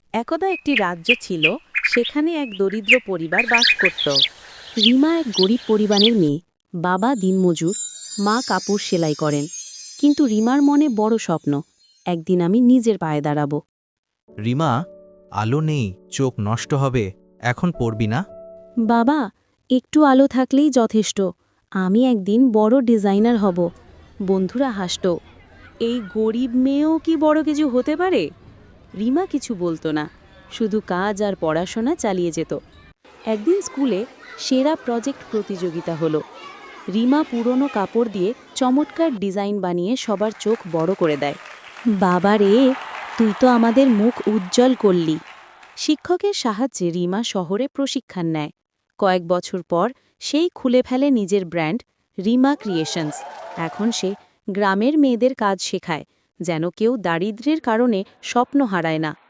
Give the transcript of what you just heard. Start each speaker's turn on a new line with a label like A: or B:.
A: একদা একটি রাজ্য ছিল, সেখানে এক দরিদ্র পরিবার বাস করত। রিমা এক গরিব পরিবারের মেয়ে। বাবা দিনমজুর, মা কাপড় সেলাই করেন। কিন্তু রিমার মনে বড় স্বপ্ন, একদিন আমি নিজের পায়ে দাঁড়াবো।
B: রিমা, আলো নেই, চোখ নষ্ট হবে, এখন পড়বি না?
A: বাবা, একটু আলো থাকলেই যথেষ্ট। আমি একদিন বড় ডিজাইনার হব। বন্ধুরা হাসত। এই গরিব মেয়েও কি বড় কিছু হতে পারে? রিমা কিছু বলতো না, শুধু কাজ আর পড়াশোনা চালিয়ে যেত। একদিন স্কুলে সেরা প্রজেক্ট প্রতিযোগিতা হলো। রিমা পুরনো কাপড় দিয়ে চমৎকার ডিজাইন বানিয়ে সবার চোখ বড় করে দেয়। বাবা রে, তুই তো আমাদের মুখ উজ্জ্বল করলি। শিক্ষকের সাহায্যে রিমা শহরে প্রশিক্ষণ নেয়। কয়েক বছর পর সেই খুলে ফেলে নিজের ব্র্যান্ড, রিমা ক্রিয়েশনস। এখন সে গ্রামের মেয়েদের কাজ শেখায়, যেন কেউ দারিদ্র্যের কারণে স্বপ্ন হারায় না।